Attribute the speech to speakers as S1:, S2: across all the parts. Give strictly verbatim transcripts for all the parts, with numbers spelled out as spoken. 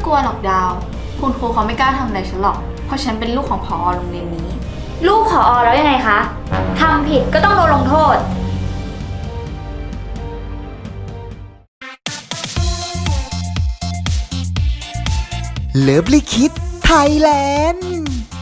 S1: ลัวหรอกดาวคุณครูเขาไม่กล้าทำอะไรฉันหรอกเพราะฉันเป็นลูกของผอโรงเรียนนี้
S2: ลูกผอแล้วยังไงคะทำผิดก็ต้องโดนลงโทษ
S3: เลิฟลิคิดไทยแลนด์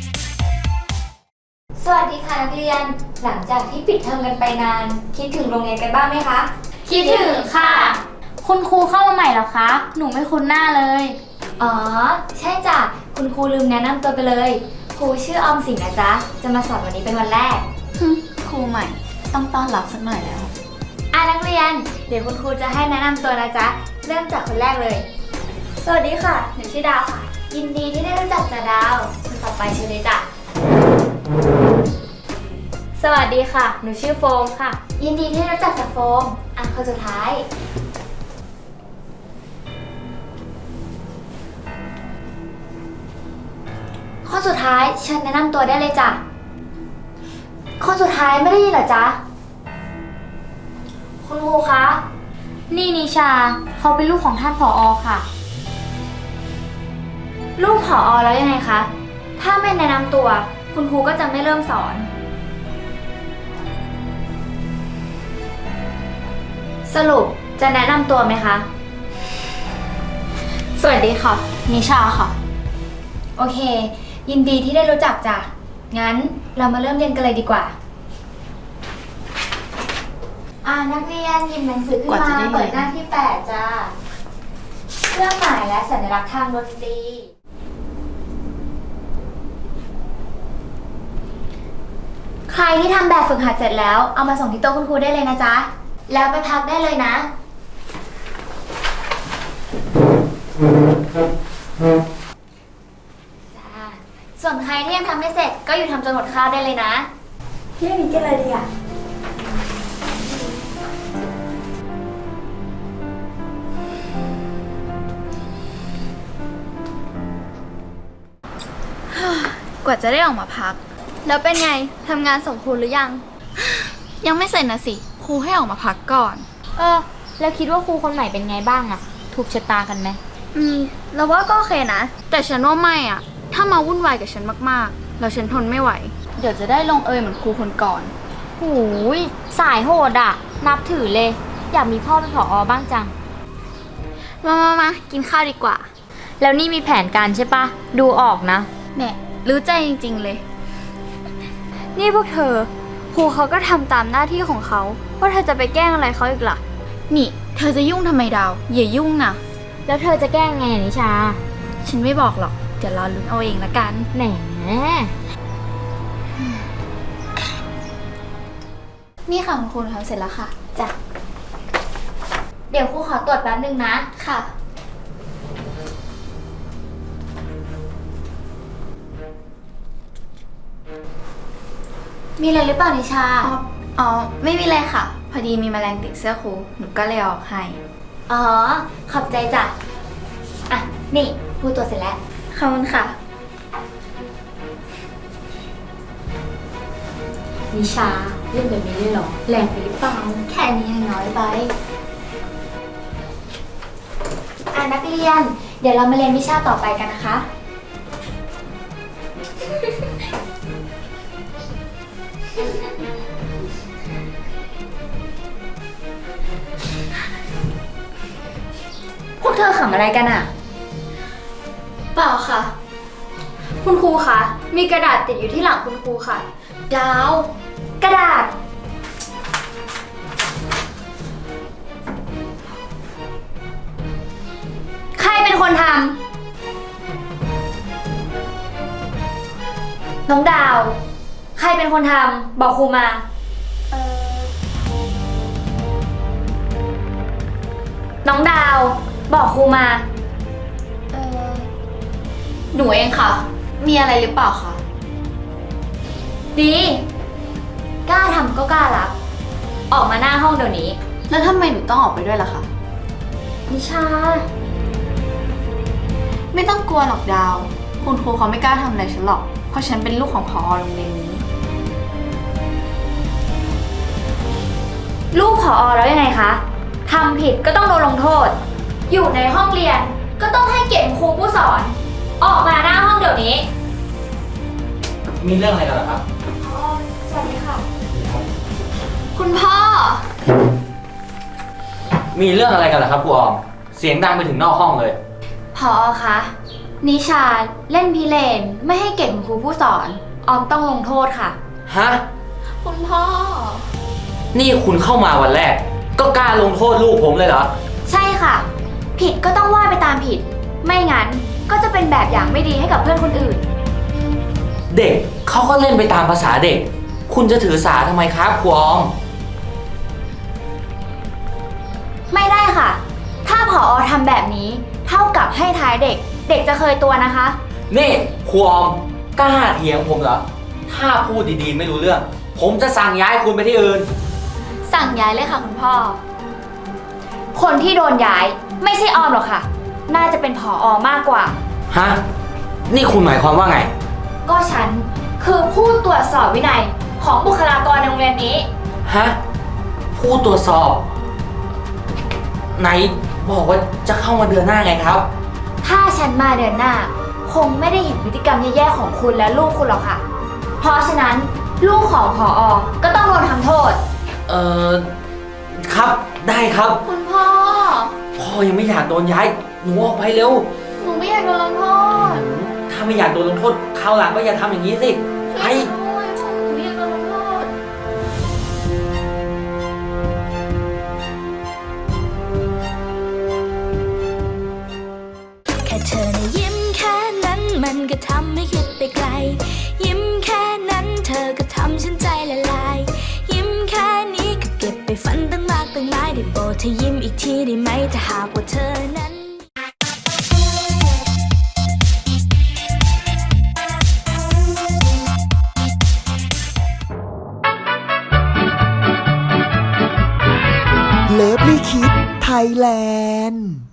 S2: สวัสดีค่ะนักเรียนหลังจากที่ปิดเทอมกันไปนานคิดถึงโรงเรียนกันบ้างไหมคะ
S4: คิดถึงค่ะคุณครูเข้ามาใหม่เหรอคะหนูไม่คุ้นหน้าเลย
S2: อ๋อใช่จ้ะคุณครูลืมแนะนำตัวไปเลยครูชื่อออมสินนะจ๊ะจะมาสอนวันนี้เป็นวันแรก
S1: ครูใหม่ต้องต้อนรับสักหน่อยแล้ว
S2: อ่ะนักเรียนเดี๋ยวคุณครูจะให้แนะนำตัวนะจ๊ะเริ่มจากคนแรกเลยสวัสดีค่ะหนูชื่อดาวค่ะยินดีที่ได้รู้จักจ้ะดาวคนต่อไปชื่อเลยจ้ะสวัสดีค่ะหนูชื่อโฟมค่ะยินดีที่ได้รู้จักจ้ะโฟมอ่ะคนสุดท้ายข้อสุดท้ายเชิญแนะนำตัวได้เลยจ้ะข้อสุดท้ายไม่ได้ยินเหรอจ๊ะคุณครูคะ
S4: นี่นิชาเขาเป็นลูกของท่านผอ.ค่ะ
S2: ลูกผอ.แล้วยังไงคะถ้าไม่แนะนำตัวคุณครูก็จะไม่เริ่มสอนสรุปจะแนะนำตัวไหมคะ
S1: สวัสดีค่ะนิชาค่ะ
S2: โอเคยินดีที่ได้รู้จักจ้ะงั้นเรามาเริ่มเรียนกันเลยดีกว่าอ่านักเรียนหยิบหนังสือขึ้นมาเปิดหน้าที่แปดจ้าเครื่องหมายและสัญลักษณ์ทางดนตรีใครที่ทำแบบฝึกหัดเสร็จแล้วเอามาส่งที่โต๊ะคุณครูได้เลยนะจ๊ะแล้วไปพักได้เลยนะจ้าส่วนใครที่ยังทำไม่เสร็จก็อยู่ทำจนหมดข้าวได้เลยนะเที่ยงนี้กินอะไรดีอ่ะ
S1: กว่าจะได้ออกมาพัก
S2: แล้วเป็นไงทำงานส่งครูหรือยัง
S1: ยังไม่เสร็จนะสิครูให้ออกมาพักก่อน
S4: เออแล้วคิดว่าครูคนใหม่เป็นไงบ้างอะถูกชะตากันไหม
S2: อืมเราว่าก็โอเคนะ
S1: แต่ฉันว่าไม่อะถ้ามาวุ่นวายกับฉันมากๆแล้วฉันทนไม่ไหวเดี๋ยวจะได้ลงเอยเหมือนครูคนก่อน
S4: หูยสายโหดอะนับถือเลยอยากมีพ่อเป็นผอ.บ้างจัง
S1: มามามากินข้าวดีกว่า
S4: แล้วนี่มีแผนการใช่ปะดูออกนะ
S1: แหมรู้ใจจริงๆเลย
S2: นี่พวกเธอครูเขาก็ทำตามหน้าที่ของเขาว่าเธอจะไปแกล้งอะไรเขาอีกล่ะ
S1: นี่เธอจะยุ่งทำไมดาวอย่ายุ่งนะ
S4: แล้วเธอจะแกล้งไงนิชา
S1: ฉันไม่บอกหรอกเดี๋ยวรอลุ้นเอาเองละกัน
S4: แหม
S1: นี่ค่ะคุณครูทำเสร็จแล้วค่ะ
S2: จ้ะเดี๋ยวครูขอตรวจแป๊บนึงนะ
S1: ค่ะ
S2: มีอะไรหรือเปล่านิชา
S1: อ๋อไม่มีอะไรค่ะพอดีมีแมลงติดเสื้อครูหนูก็เลยออกให้
S2: อ๋อขอบใจจ้ะอ่ะนี่ครูตรวจเสร็จแล้ว
S1: ขอบคุณค่ะ
S2: นิชาเล่นแบบนี้เลยเหรอแรงไปหรือเปล่าแค่นี้ยังน้อยไปอ่ะนักเรียนเดี๋ยวเรามาเรียนวิชาต่อไปกันนะคะพวกเธอขำอะไรกันอะ
S1: เปล่าค่ะ
S2: คุณครูคะมีกระดาษติดอยู่ที่หลังคุณครูค่ะดาวกระดาษใครเป็นคนทำน้องดาวใครเป็นคนทำบอกครูมาเออน้องดาวบอกครูมา
S1: เออหนูเองค่ะมีอะไรหรือเปล่าคะ
S2: ดีกล้าทำก็กล้ารับออกมาหน้าห้องเดี๋ยวนี้
S1: แล้วทำไมหนูต้องออกไปด้วยล่ะคะ
S2: นิชา
S1: ไม่ต้องกลัวหรอกดาวคุณครูเขาไม่กล้าทำอะไรฉันหรอกเพราะฉันเป็นลูกของผอโรงเรียนนี้
S2: ลูกผอ.แล้วยังไงคะทำผิดก็ต้องโดนลงโทษอยู่ในห้องเรียนก็ต้องให้เกียรติครูผู้สอน ออกมาหน้าห้องเดี๋ยวนี้
S5: มีเรื่องอะไรกันเหรอครับ
S2: อ๋อสวัสดีค่ะ
S1: คุณพ่อ
S5: มีเรื่องอะไรกันเหรอครับครูออม เสียงดังไปถึงนอกห้องเลย
S1: พอคะนิชาเล่นพิเรนไม่ให้เกียรติคุณครูผู้สอน ออมต้องลงโทษค่ะ
S5: ฮะ
S1: คุณพ่อ
S5: นี่คุณเข้ามาวันแรก ก็กล้าลงโทษลูกผมเลยเหรอ
S1: ใช่ค่ะ ผิดก็ต้องว่าไปตามผิด ไม่งั้นก็จะเป็นแบบอย่างไม่ดีให้กับเพื่อนคนอื่น
S5: เด็กเขาก็เล่นไปตามภาษาเด็ก คุณจะถือสาทำไมครับครูออม
S1: ไม่ได้ค่ะ ถ้าผอทำแบบนี้เท่ากับให้ท้ายเด็ก เด็กจะเคยตัวนะคะ
S5: นี่ครูออมกล้าเถียงผมเหรอ ถ้าพูดดีๆไม่รู้เรื่อง ผมจะสั่งย้ายคุณไปที่อื่น
S1: สั่งย้ายเลยค่ะคุณพ่อ คนที่โดนย้ายไม่ใช่ออมหรอกค่ะ น่าจะเป็นผออมากกว่า
S5: ฮะ นี่คุณหมายความว่าไง
S1: ก็ฉันคือผู้ตรวจสอบวินัยของบุคลากรในโรงเรียนนี้
S5: ฮะ ผู้ตรวจสอบ ไหนบอกว่าจะเข้ามาเดือนหน้าไงครับ
S1: ถ้าฉันมาเดือนหน้า คงไม่ได้เห็นพฤติกรรมแย่ๆของคุณและลูกคุณหรอกค่ะ เพราะฉะนั้นลูกของผออก็ต้องโดนทำโทษ
S5: เอ่อ ครับ ได้ครับ
S1: คุณพ่อ
S5: พ่อยังไม่อยากโดนย้าย หนูออกไปเร็ว
S1: หนูไม่อยากโดนลงโทษ
S5: ถ้าไม่อยากโดนลงโทษคราวหลังก็อย่าทำอย่างนี้สิ ไป
S1: ช่วยหนูด้วยหนูอยากโดนลงโทษ
S6: แค่เธอนะยิ้มแค่นั้นมันก็ทำให้คิดไปไกล ยิ้มแค่นั้นเธอก็ทำฉันใจละลาย ยิ้มแค่นี้ก็เก็บไปฝันตั้งมากตั้งหลายได้โปรดเธอยิ้มอีกทีได้ไหมถ้าหากว่าเธอนั้น
S3: เลิฟลี่คิดไทยแลนด์